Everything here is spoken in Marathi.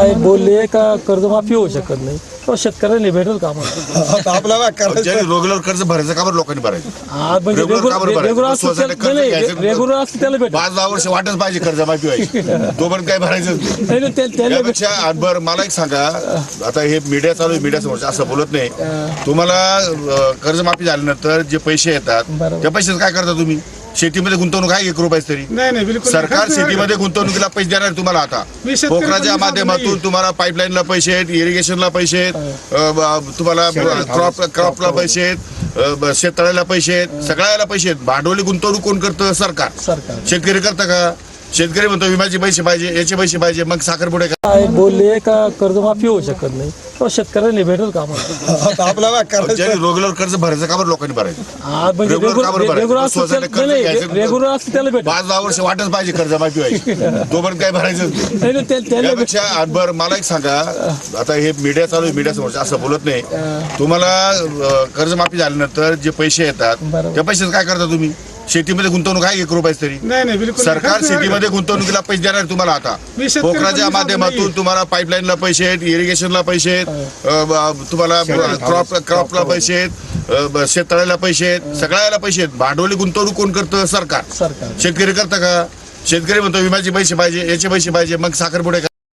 काय बोलले का कर्जमाफी होऊ शकत नाही तो शेतकऱ्याला भेटेल का आम्हाला? आपल्याला करायचं रेग्युलर कर्ज भरायचं का बरं लोकांनी भरायचं? हा, म्हणजे रेग्युलर का बरं भरायचं? रेग्युलर स्वतःला कर्ज घ्यायचं. रेग्युलर असतं त्याला भेटेल. 5-10 वर्ष वाटच पाहिजे कर्जमाफी व्हायची. तो पण काय भरायचं नाही, नाही, त्याला त्यापेक्षा बरं मला एक सांगा, आता हे मीडिया चालू आहे, मीडिया समोर असं बोलत नाही. तुम्हाला कर्जमाफी झाल्यानंतर जे पैसे येतात बरोबर. त्या पैशाचं काय करता तुम्ही? शेतीमध्ये गुंतवणूक आहे 1 रुपयाच तरी. नाही बिलकुल सरकार शेतीमध्ये गुंतवणुकीला पैसे देणार आहे तुम्हाला. आता मी शेतकरी पोखराच्या पण माध्यमातून तुम्हाला पाईपलाईनला पैसे आहेत, इरिगेशनला पैसे आहेत, तुम्हाला क्रॉपला पैसे आहेत, शेततळ्याला पैसे आहेत, सगळ्याला पैसे आहेत. भांडवली गुंतवणूक कोण करतं? सरकार. शेतकरी करता का? शेतकरी म्हणतो विम्याचे पैसे पाहिजे, याचे पैसे पाहिजे, मग साखरपुडे काय बोलले का कर्जमाफी होऊ शकत नाही तो शेतकऱ्याला भेटेल का आम्हाला? आपल्याला करायचं रेग्युलर कर्ज भरायचं का बरं लोकांनी भरायचं? हा, म्हणजे रेग्युलर का बरं भरायचं? रेग्युलर स्वतःला कर्ज घ्यायचं. रेग्युलर असतं त्याला भेटेल. 5-10 वर्ष वाटच पाहिजे कर्जमाफी व्हायची. तो पण काय भरायचं नाही, नाही, त्याला त्यापेक्षा बरं मला एक सांगा, आता हे मीडिया चालू आहे, मीडिया समोर असं बोलत नाही. तुम्हाला कर्जमाफी झाल्यानंतर जे पैसे येतात बरोबर. त्या पैशाचं काय करता तुम्ही? शेतीमध्ये गुंतवणूक आहे 1 रुपयाच तरी. नाही बिलकुल सरकार शेतीमध्ये गुंतवणुकीला पैसे देणार आहे तुम्हाला. आता मी शेतकरी पोखराच्या पण माध्यमातून तुम्हाला पाईपलाईनला पैसे आहेत, इरिगेशनला पैसे आहेत, तुम्हाला क्रॉपला पैसे आहेत, शेततळ्याला पैसे आहेत, सगळ्याला पैसे आहेत. भांडवली गुंतवणूक कोण करतं? सरकार. शेतकरी करता का? शेतकरी म्हणतो विम्याचे पैसे पाहिजे, याचे पैसे पाहिजे, मग साखरपुडे